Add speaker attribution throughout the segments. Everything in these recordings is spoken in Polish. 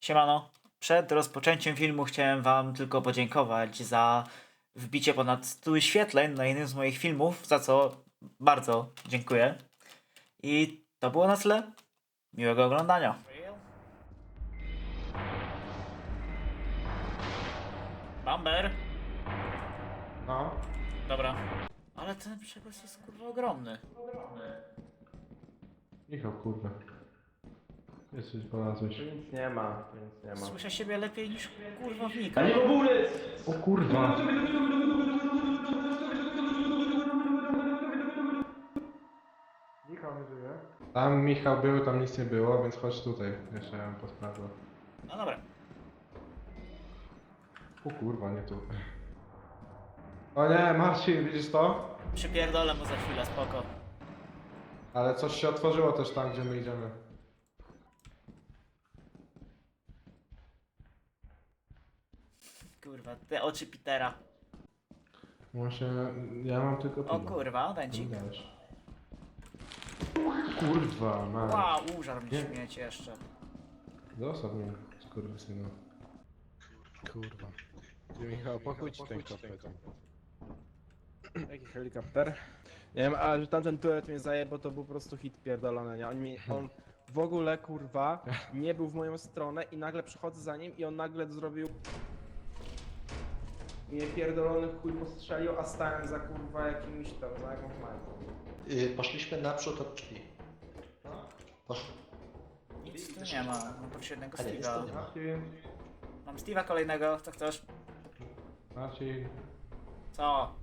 Speaker 1: Siemano. Przed rozpoczęciem filmu chciałem wam tylko podziękować za wbicie ponad 100 wyświetleń na jednym z moich filmów, za co bardzo dziękuję. I to było na tyle. Miłego oglądania. Bamber.
Speaker 2: No.
Speaker 1: Dobra. Ale ten przegłos jest kurwa ogromny.
Speaker 2: Michał, kurwa. Jesteś znalazłeś.
Speaker 3: Tu nic nie ma, tu nic nie ma.
Speaker 1: Słyszę siebie lepiej niż kurwa wnika.
Speaker 3: A nie bobulec!
Speaker 2: O kurwa. Michał nie żyje. Tam Michał był, tam nic nie było, więc chodź tutaj. Jeszcze ja bym posprawdzał.
Speaker 1: No dobra.
Speaker 2: O kurwa, nie tu. O nie, Marcin, widzisz to?
Speaker 1: Przypierdolę mu za chwilę, spoko.
Speaker 2: Ale coś się otworzyło też tam, gdzie my idziemy.
Speaker 1: Kurwa, te oczy Petera.
Speaker 2: Właśnie, ja mam tylko
Speaker 1: O
Speaker 2: piwo.
Speaker 1: kurwa, dęcik.
Speaker 2: Nie dałeś. Kurwa, man.
Speaker 1: Wow, użar mnie
Speaker 2: Nie.
Speaker 1: śmieć jeszcze.
Speaker 2: Zostaw mnie, skurwysynu.
Speaker 4: Kurwa. Ty, Michał, pokój ci ten kopet.
Speaker 3: Jaki helikopter? Nie wiem, ale że tamten turet mnie zajebał, to był po prostu hit pierdolony, nie? On w ogóle, kurwa, nie był w moją stronę i nagle przychodzę za nim i on nagle zrobił... I mnie pierdolony chuj postrzelił, a stałem za kurwa jakimś tam, za jakąś majką.
Speaker 5: Poszliśmy naprzód od drzwi. Poszli.
Speaker 1: Nic tu nie ma, mam oprócz jednego
Speaker 5: A nie, jest
Speaker 1: Steve'a.
Speaker 5: tu nie ma.
Speaker 2: Marcin,
Speaker 1: Mam Steve'a kolejnego, co chcesz?
Speaker 2: Marcin.
Speaker 1: Co?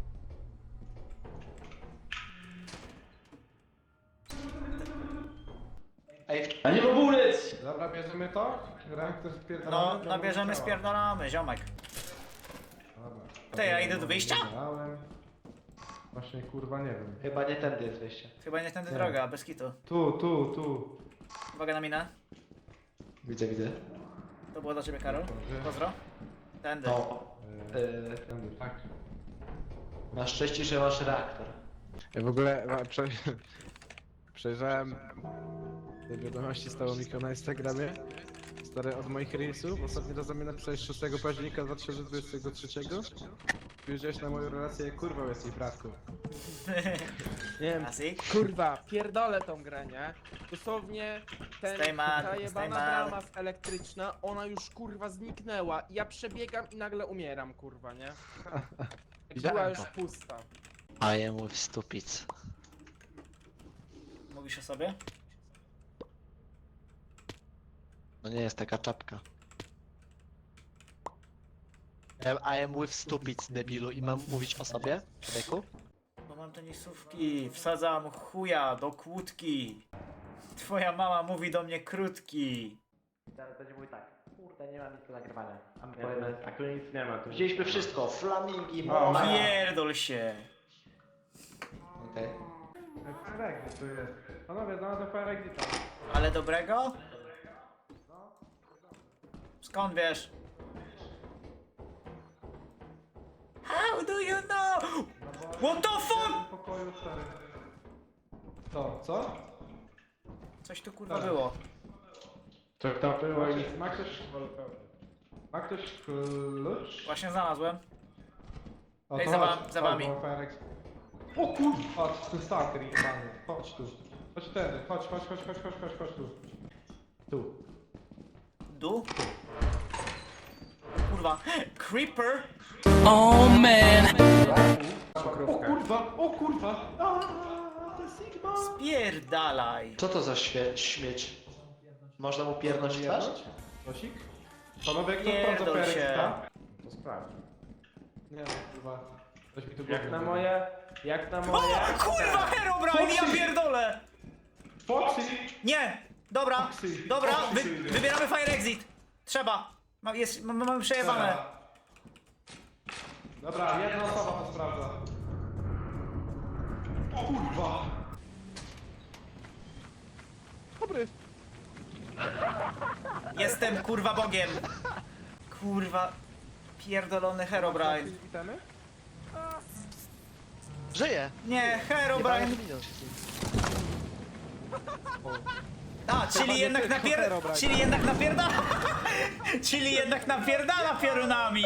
Speaker 5: Ej,
Speaker 3: A nie bobulec!
Speaker 2: Dobra, bierzemy to? Rank też
Speaker 1: No,
Speaker 2: spierdalamy?
Speaker 1: nabierzemy, spierdalamy, ziomek.
Speaker 2: Dobra.
Speaker 1: Ty, ja idę do wyjścia?
Speaker 2: Spierdalałem. Właśnie, kurwa, nie wiem.
Speaker 5: chyba nie tędy jest wyjście.
Speaker 1: Chyba nie tędy
Speaker 2: Nie.
Speaker 1: droga, bez kitu.
Speaker 2: Tu.
Speaker 1: Uwaga na minę.
Speaker 5: Widzę.
Speaker 1: To było dla ciebie, Karol. Pozdro. Tędy.
Speaker 5: No,
Speaker 2: Tędy, tak.
Speaker 5: masz szczęście, że masz reaktor.
Speaker 4: Ja w ogóle przejrzałem te wiadomości stało Michał na Instagramie. Stare od moich reelsów. Ostatni raz do mnie napisałeś 6 października 2023. Spojrzałeś na moją relację, jak kurwa jesteś bratku.
Speaker 3: Nie wiem,
Speaker 1: Classic.
Speaker 3: kurwa, pierdolę tą grę, nie? Dosłownie
Speaker 1: Stay mad,
Speaker 3: ta
Speaker 1: stay
Speaker 3: jebana
Speaker 1: mad.
Speaker 3: brama elektryczna, ona już kurwa zniknęła. Ja przebiegam i nagle umieram, kurwa, nie? Jak była
Speaker 4: Widziałem
Speaker 3: już
Speaker 4: to.
Speaker 3: pusta.
Speaker 5: I am with stupids.
Speaker 1: Mówisz o sobie?
Speaker 5: No nie jest taka czapka. I am with stupids, debilu. I mam mówić o sobie, człowieku?
Speaker 1: Bo mam tenisówki, wsadzam chuja do kłódki. Twoja mama mówi do mnie krótki.
Speaker 5: Teraz będzie mówił tak. Kurde, nie ma nic do nagrywania. A my
Speaker 3: Nie,
Speaker 5: powiemy
Speaker 3: tu
Speaker 5: tak.
Speaker 3: nic nie ma. Tu
Speaker 5: Wzięliśmy wszystko. Flamingi,
Speaker 2: O,
Speaker 5: morze.
Speaker 1: Pierdol się.
Speaker 5: Okej.
Speaker 2: Fire exit tu jest. Panowie, znalazłem fire exita.
Speaker 1: Ale dobrego? Skąd wiesz? How do you know? What the fuck?
Speaker 2: W pokoju 4. Co?
Speaker 1: Coś tu kurwa było.
Speaker 2: Co tam było i... Ma ktoś klucz?
Speaker 1: Właśnie znalazłem.
Speaker 2: O,
Speaker 1: Ej,
Speaker 2: to
Speaker 1: za
Speaker 2: chodź,
Speaker 1: wam- za
Speaker 2: chodź,
Speaker 1: wami.
Speaker 2: bo fire exit. O kurwa! Chodź, tu stalker jebany. Chodź tu. Chodź tędy, chodź tu. Tu.
Speaker 1: Du? Kurwa. Creeper?
Speaker 2: O kurwa! To jest Sigma!
Speaker 1: Spierdalaj.
Speaker 5: Co to za śmieć? Można mu piernąć w twarz?
Speaker 2: Tosik? Panowie, kto
Speaker 1: Pierdol
Speaker 2: sprawdza fire
Speaker 1: się.
Speaker 2: exita?
Speaker 3: To sprawdź.
Speaker 2: Nie no, kurwa. Coś mi tu
Speaker 3: Jak
Speaker 2: głowy
Speaker 3: na
Speaker 2: mówi.
Speaker 3: moje... Jak na
Speaker 1: O
Speaker 3: moje...
Speaker 1: kurwa, Herobrine, ja pierdolę!
Speaker 2: Foxy!
Speaker 1: Nie! Dobra,
Speaker 2: Foxy.
Speaker 1: dobra,
Speaker 2: Foxy.
Speaker 1: wybieramy fire exit. Trzeba. Mamy przejebane.
Speaker 2: Dobra, jedna osoba to sprawdza. O kurwa!
Speaker 4: Dobry.
Speaker 1: Jestem kurwa Bogiem. Kurwa. Pierdolony Herobrine.
Speaker 4: Witamy?
Speaker 5: Żyje!
Speaker 1: Nie, Herobrine.
Speaker 5: Minął się z nim.
Speaker 1: A, czyli jednak
Speaker 3: tylko Herobrine.
Speaker 1: Czyli jednak napierdala! Czyli jednak napierdala piorunami!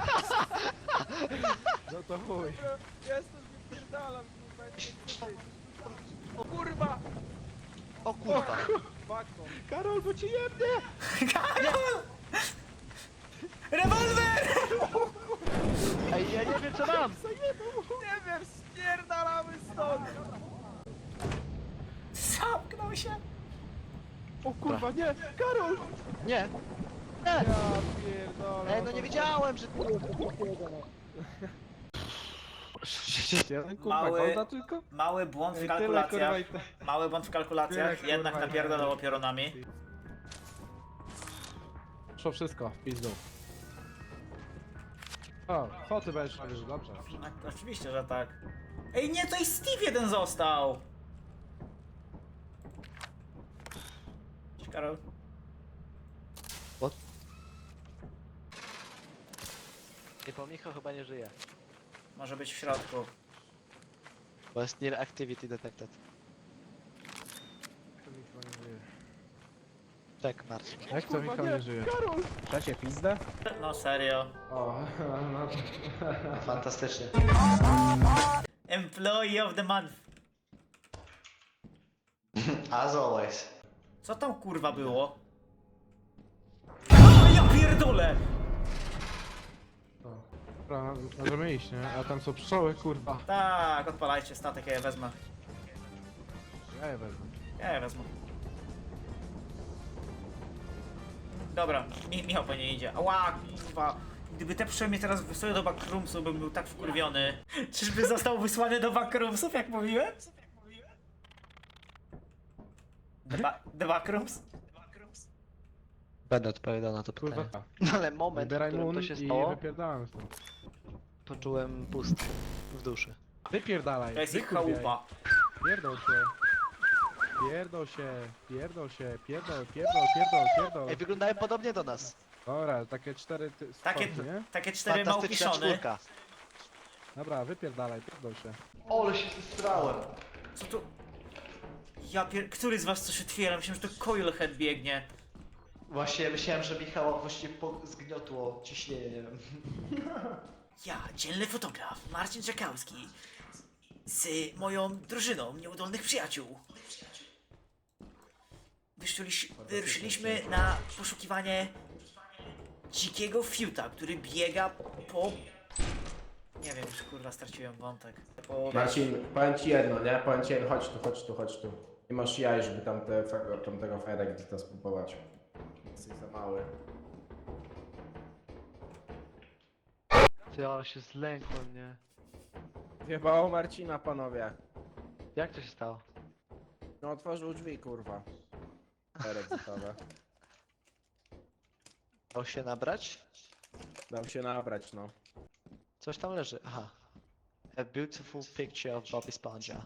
Speaker 4: No to chuj.
Speaker 3: Jestem, wypierdalam, kurwa, o kurwa!
Speaker 5: O kurwa.
Speaker 3: Fakto.
Speaker 4: Karol, bo ci jebnie!
Speaker 1: Karol! Rewolwer!
Speaker 5: Ej, ja nie wiem co mam.
Speaker 3: Nie wiem, spierdalamy stąd!
Speaker 1: Zamknął się!
Speaker 4: O kurwa, nie! Karol!
Speaker 5: Nie. Nie.
Speaker 3: Ja pierdolę.
Speaker 5: Ej, no nie wiedziałem, że...
Speaker 4: Jeden kurwa,
Speaker 1: Mały-
Speaker 4: golda tylko?
Speaker 1: Mały błąd w
Speaker 2: Ej, tyle,
Speaker 1: kalkulacjach.
Speaker 2: kurwa, i te-
Speaker 1: Mały błąd w kalkulacjach,
Speaker 2: Tyle,
Speaker 1: jednak
Speaker 2: kurwa,
Speaker 1: napierdalało piorunami.
Speaker 4: Szło wszystko, w pizdu. O, foty będziesz robił, dobrze.
Speaker 1: A, oczywiście, że tak. Ej, nie, to i Steve jeden został! Cześć, Karol.
Speaker 5: Nie, bo Michał chyba nie żyje.
Speaker 1: Może być w środku.
Speaker 5: Bo jest near activity detected. Tak, Marcin.
Speaker 4: Jak to Michał nie żyje?
Speaker 3: Trzecie pizdę?
Speaker 1: No serio.
Speaker 2: O, no.
Speaker 5: Fantastycznie.
Speaker 1: Employee of the month.
Speaker 5: As always.
Speaker 1: Co tam kurwa było? O, ja pierdolę!
Speaker 4: Dobra, możemy iść, nie? A tam są pszczoły, kurwa.
Speaker 1: Tak, odpalajcie statek, ja je wezmę.
Speaker 4: Ja je wezmę.
Speaker 1: Ja je wezmę. Dobra, Michał po nie idzie. Ała, kurwa. Gdyby te pszczoły mnie teraz wysłały do backroomsu, bym był tak wkurwiony. Czyżby został wysłany do backroomsów, jak mówiłem? The backrooms?
Speaker 5: Będę odpowiadał na to
Speaker 4: Kurwa,
Speaker 5: pytanie. Ale moment, w
Speaker 4: wybieraj
Speaker 5: którym
Speaker 4: mun
Speaker 5: to się
Speaker 4: i
Speaker 5: stało,
Speaker 4: wypierdalamy stąd.
Speaker 5: poczułem pust w duszy.
Speaker 4: Wypierdalaj,
Speaker 1: To jest ich
Speaker 4: wykurwiaj.
Speaker 1: chałupa.
Speaker 4: Pierdol się. Pierdol się, pierdol się, pierdol.
Speaker 5: Ej, wyglądają podobnie do nas.
Speaker 4: Dobra, takie cztery
Speaker 1: Takie,
Speaker 4: spoty, nie?
Speaker 1: takie cztery
Speaker 5: Fantastyczna
Speaker 1: małpiszony.
Speaker 5: czwórka.
Speaker 4: Dobra, wypierdalaj, pierdol się.
Speaker 5: Ole się zestrałem.
Speaker 1: Co tu? Który z was coś otwiera? Myślałem, że to Coilhead biegnie.
Speaker 5: Właśnie myślałem, że Michała właściwie zgniotło ciśnienie, nie wiem.
Speaker 1: Ja, dzielny fotograf, Marcin Czekałski. Z moją drużyną nieudolnych przyjaciół. Wyruszyliśmy na poszukiwanie dzikiego fiuta, który biega po... Nie wiem, już kurwa straciłem wątek. Po...
Speaker 6: Marcin, powiem ci jedno, nie? Powiem ci jedno, chodź tu. Nie masz jaj, żeby tamtego Fireexita spróbować. Jesteś za mały.
Speaker 5: Ty, ale się zlękłem, nie?
Speaker 3: Zjebało Marcina, panowie.
Speaker 5: Jak to się stało?
Speaker 3: No otworzył drzwi, kurwa. Exitowe.
Speaker 5: Dał się nabrać?
Speaker 3: Dał się nabrać, no.
Speaker 5: Coś tam leży, aha. A beautiful picture of Bobby Spongia.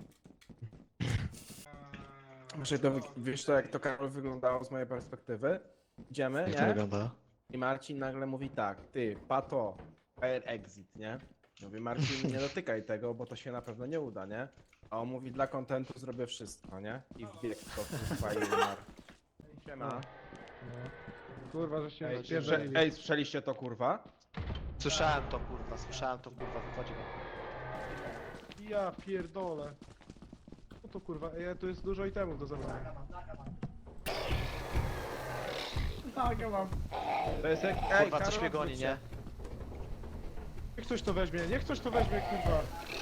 Speaker 3: Muszę to, wiesz to jak to Karol wyglądało z mojej perspektywy? Idziemy,
Speaker 5: Jak to
Speaker 3: nie?
Speaker 5: wygląda?
Speaker 3: I Marcin nagle mówi tak, ty, pato, fire exit, nie? Mówi Marcin, nie dotykaj tego, bo to się na pewno nie uda, nie? A on mówi, dla kontentu zrobię wszystko, nie? I wbiegł to kurwa i umarł. Siema.
Speaker 4: No. Kurwa, że się
Speaker 3: Ej,
Speaker 4: spierdolili.
Speaker 3: ej, słyszeliście to kurwa?
Speaker 5: Słyszałem to kurwa, wychodzi mi.
Speaker 4: Ja pierdolę. No to kurwa, ej, tu jest dużo itemów do zabrania.
Speaker 1: Tak, ja mam.
Speaker 4: To jest jak...
Speaker 5: Kurwa,
Speaker 3: Karol,
Speaker 5: coś mnie goni,
Speaker 3: odwróć
Speaker 5: nie?
Speaker 4: Niech ktoś to weźmie, niech ktoś to weźmie, kurwa.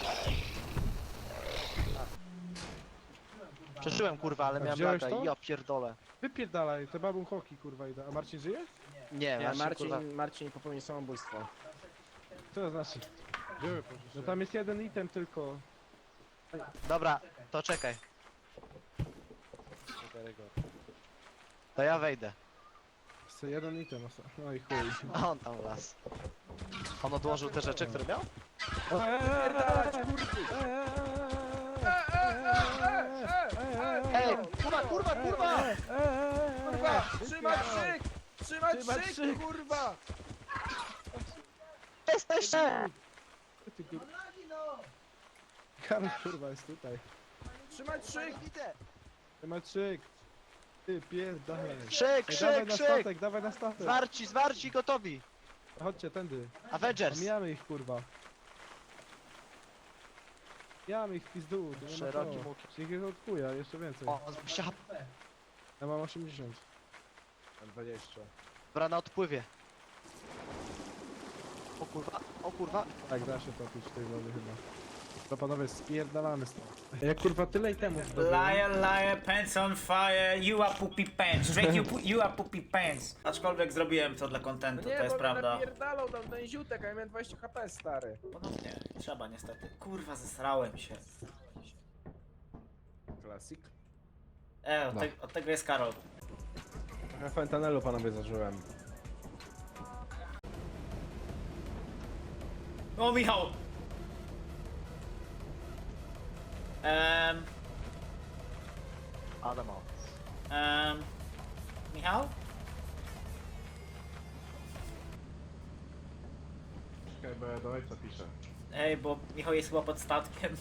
Speaker 5: Przeżyłem kurwa, ale
Speaker 4: A
Speaker 5: miałem
Speaker 4: wziąłeś
Speaker 5: laga
Speaker 4: to?
Speaker 5: i ja pierdolę.
Speaker 4: Wypierdalaj, te babun hoki, kurwa, idę. A Marcin żyje?
Speaker 5: Nie,
Speaker 3: Nie,
Speaker 5: Marcin, kurwa.
Speaker 3: Marcin popełnił samobójstwo.
Speaker 4: Co to znaczy? No tam jest jeden item tylko.
Speaker 5: Dobra, to czekaj. To ja wejdę.
Speaker 4: Jest jeden item, no i chuj.
Speaker 5: A on tam las. On odłożył te rzeczy, które miał? Ej, kurwa!
Speaker 3: Kurwa, trzymać szyk! Trzymać szyk, kurwa!
Speaker 5: Jesteście!
Speaker 4: Ty kurwa. Karol kurwa jest tutaj.
Speaker 3: Trzymać szyk!
Speaker 5: Widzę!
Speaker 4: Temat szyk. Ty pierdolę.
Speaker 5: Krzyk,
Speaker 4: Ej,
Speaker 5: krzyk,
Speaker 4: dawaj na
Speaker 5: krzyk!
Speaker 4: statek, dawaj na statek.
Speaker 5: Zwarci, gotowi!
Speaker 4: Chodźcie, tędy.
Speaker 5: Avengers!
Speaker 4: Omijamy ich, kurwa. Omijamy ich w pizdu. to nie ma
Speaker 5: Szeroki
Speaker 4: co.
Speaker 5: łuk.
Speaker 4: Ich jest od chuja, jeszcze więcej.
Speaker 5: O, 20 HP.
Speaker 4: Ja mam 80. Mam 20.
Speaker 5: Dobra, na odpływie. O kurwa.
Speaker 4: Tak, da się topić w tej wody chyba. To panowie, spierdalamy stąd. Jak kurwa tyle itemów zdobyłem.
Speaker 1: Liar, liar, pants on fire, you are poopy pants. Drake, you are poopy pants. Aczkolwiek zrobiłem to dla kontentu, to jest prawda.
Speaker 3: napierdalał tam ten ziutek, a ja miałem 20 HP, stary.
Speaker 1: Ponownie, trzeba niestety. Kurwa, zesrałem się.
Speaker 3: Klasik.
Speaker 1: Od tego jest Karol.
Speaker 3: Trochę fentanelu panowie zażyłem.
Speaker 1: O, Michał!
Speaker 5: Adamo.
Speaker 1: Michał?
Speaker 4: Czekaj, bo ja do ojca piszę.
Speaker 1: Ej, bo Michał jest chyba pod statkiem.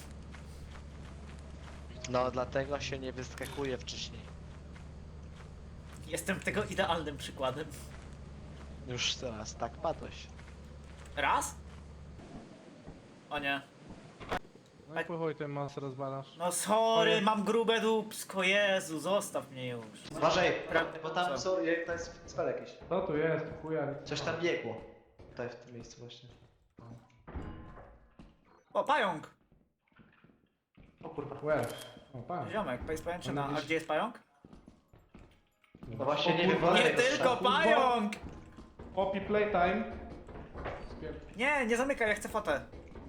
Speaker 5: No, dlatego się nie wyskakuje wcześniej.
Speaker 1: Jestem tego idealnym przykładem.
Speaker 5: Już teraz tak padłeś.
Speaker 1: Raz? O nie.
Speaker 4: No i po chuj ten mas rozwalasz.
Speaker 1: No sorry, mam grube dupsko, Jezu, zostaw mnie już.
Speaker 5: Uważaj,
Speaker 1: bo tam
Speaker 5: są, to jest spell jakiś.
Speaker 2: Co tu jest? Chuja.
Speaker 5: Coś tam biegło. Tutaj w tym miejscu właśnie.
Speaker 1: O, pająk!
Speaker 5: O kurwa.
Speaker 2: Łeb. O, pan.
Speaker 1: Ziomek, pajęczyna. A gdzie jest pająk?
Speaker 5: No właśnie nie wiem,
Speaker 1: Nie tylko pająk!
Speaker 2: Poppy playtime.
Speaker 1: Nie zamykaj, ja chcę fotę.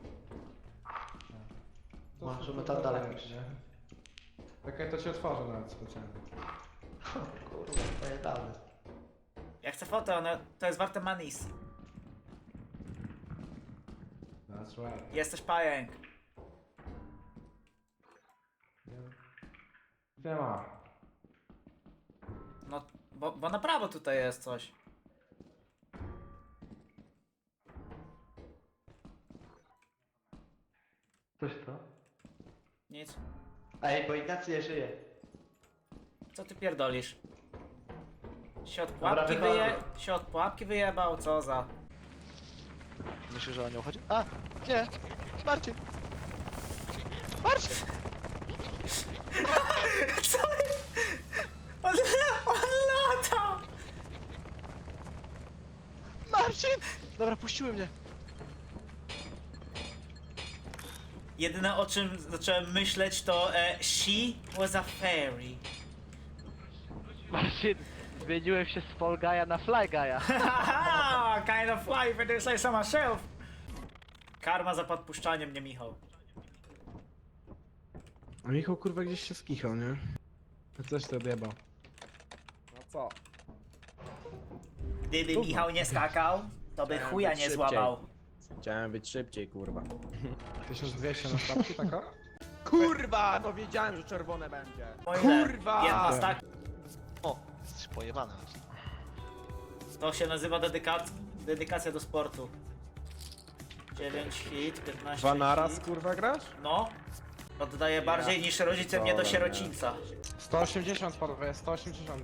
Speaker 5: Możemy tam dalej iść.
Speaker 2: Czekaj, to ci otworzę nawet specjalnie.
Speaker 5: Kurwa, to jest dalej.
Speaker 1: Ja chcę fotę, to jest warte manis.
Speaker 2: That's right.
Speaker 1: Jesteś pająk.
Speaker 2: Nie ma.
Speaker 1: No, bo na prawo tutaj jest coś.
Speaker 5: Coś to?
Speaker 1: Nic.
Speaker 5: Ej, bo Ignacy nie żyje.
Speaker 1: Co ty pierdolisz? Się od
Speaker 5: Dobra,
Speaker 1: pułapki
Speaker 5: wychodzę.
Speaker 1: się od pułapki wyjebał, co za...
Speaker 5: Myślisz, że o nią chodzi? A! Nie! Marcin! Marcin!
Speaker 1: Co? On lata!
Speaker 5: Marcin! Dobra, puściły mnie.
Speaker 1: Jedyne o czym zacząłem myśleć to she was a fairy.
Speaker 5: Marcin! Zmieniłem się z Fall Guy'a na Fly Guy'a.
Speaker 1: Haha, kind of life, I do say so myself. Karma za podpuszczaniem mnie, Michał.
Speaker 4: A Michał kurwa gdzieś się skichał, nie? To coś to odjebał.
Speaker 3: No co?
Speaker 1: Gdyby Michał nie skakał, to by chuja nie
Speaker 3: szybciej.
Speaker 1: złamał.
Speaker 3: Chciałem być szybciej, kurwa.
Speaker 4: 1200 na stawki taka?
Speaker 3: Kurwa! No wiedziałem, że czerwone będzie.
Speaker 1: O ile?
Speaker 3: Kurwa!
Speaker 1: Jedna stak.
Speaker 5: O! Jesteś pojebany.
Speaker 1: To się nazywa dedykacja do sportu. 9 hit, 15
Speaker 3: Dwa naraz,
Speaker 1: hit.
Speaker 3: kurwa, grasz?
Speaker 1: No. Oddaję bardziej niż rodzice mnie do
Speaker 3: Dobra,
Speaker 1: sierocińca.
Speaker 4: 180 panowie, 180.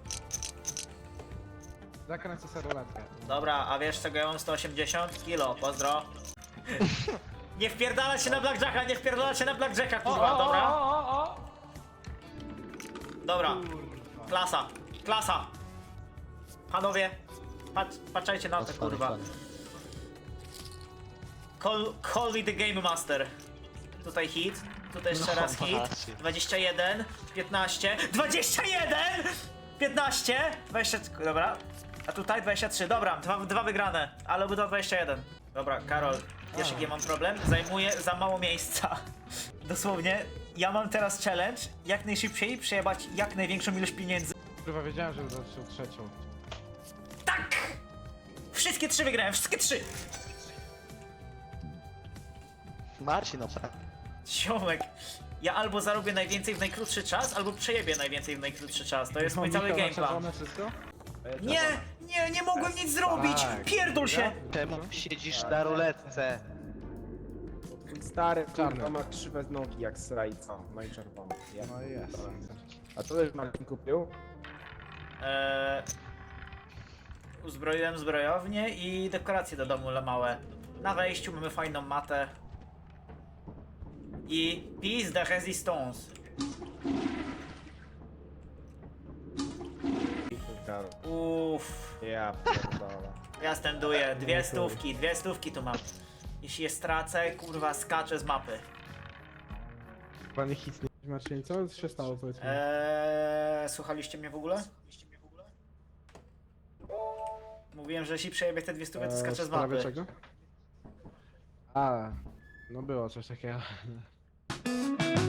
Speaker 4: Zakręcę sobie ruletkę.
Speaker 1: Dobra, a wiesz czego ja mam 180 kilo? Pozdro. Nie wpierdala się na blackjacka, nie wpierdala się na blackjacka, kurwa, dobra? Dobra. Klasa, klasa. Panowie, patrzajcie na to, kurwa. Call me the game master. Tutaj hit, tutaj jeszcze
Speaker 5: No,
Speaker 1: raz hit.
Speaker 5: Marcin.
Speaker 1: 21, 15, 21! 15, 20, dobra. A tutaj 23, dobra, dwa wygrane, ale obydwa 21. Dobra, Karol, wiesz jaki ja mam problem? Zajmuję za mało miejsca. Dosłownie, ja mam teraz challenge, jak najszybciej przejebać jak największą ilość pieniędzy.
Speaker 4: Kurwa wiedziałem, że zaczął trzecią.
Speaker 1: Tak! Wszystkie 3 wygrałem, wszystkie 3!
Speaker 5: Marcin, no
Speaker 1: Ziomek, ja albo zarobię najwięcej w najkrótszy czas, albo przejebię najwięcej w najkrótszy czas. To jest mój cały
Speaker 4: Michał na
Speaker 1: game plan.
Speaker 4: czerwone wszystko?
Speaker 1: Nie mogłem nic zrobić! Pierdol się!
Speaker 5: czemu siedzisz na ruletce?
Speaker 3: Twój stary,
Speaker 4: Czarny.
Speaker 3: kurwa, ma krzywe nogi jak srajca. No i czerwony. Ja.
Speaker 4: No jest.
Speaker 3: A co też Marcin kupił?
Speaker 1: Uzbroiłem zbrojownię i dekoracje do domu małe. Na wejściu mamy fajną matę. I piece de resistance. Uff,
Speaker 3: Ja pierdolę.
Speaker 1: ja stenduję. Dwie stówki tu mam. Jeśli je stracę, kurwa, skaczę z mapy.
Speaker 4: Panie hit nie Marcin, co się stało powiedz mi?
Speaker 1: Słuchaliście mnie w ogóle? Mówiłem, że jeśli przejebie te 200, to skaczę
Speaker 4: W
Speaker 1: z
Speaker 4: sprawie
Speaker 1: mapy.
Speaker 4: czego? A, no było coś takiego.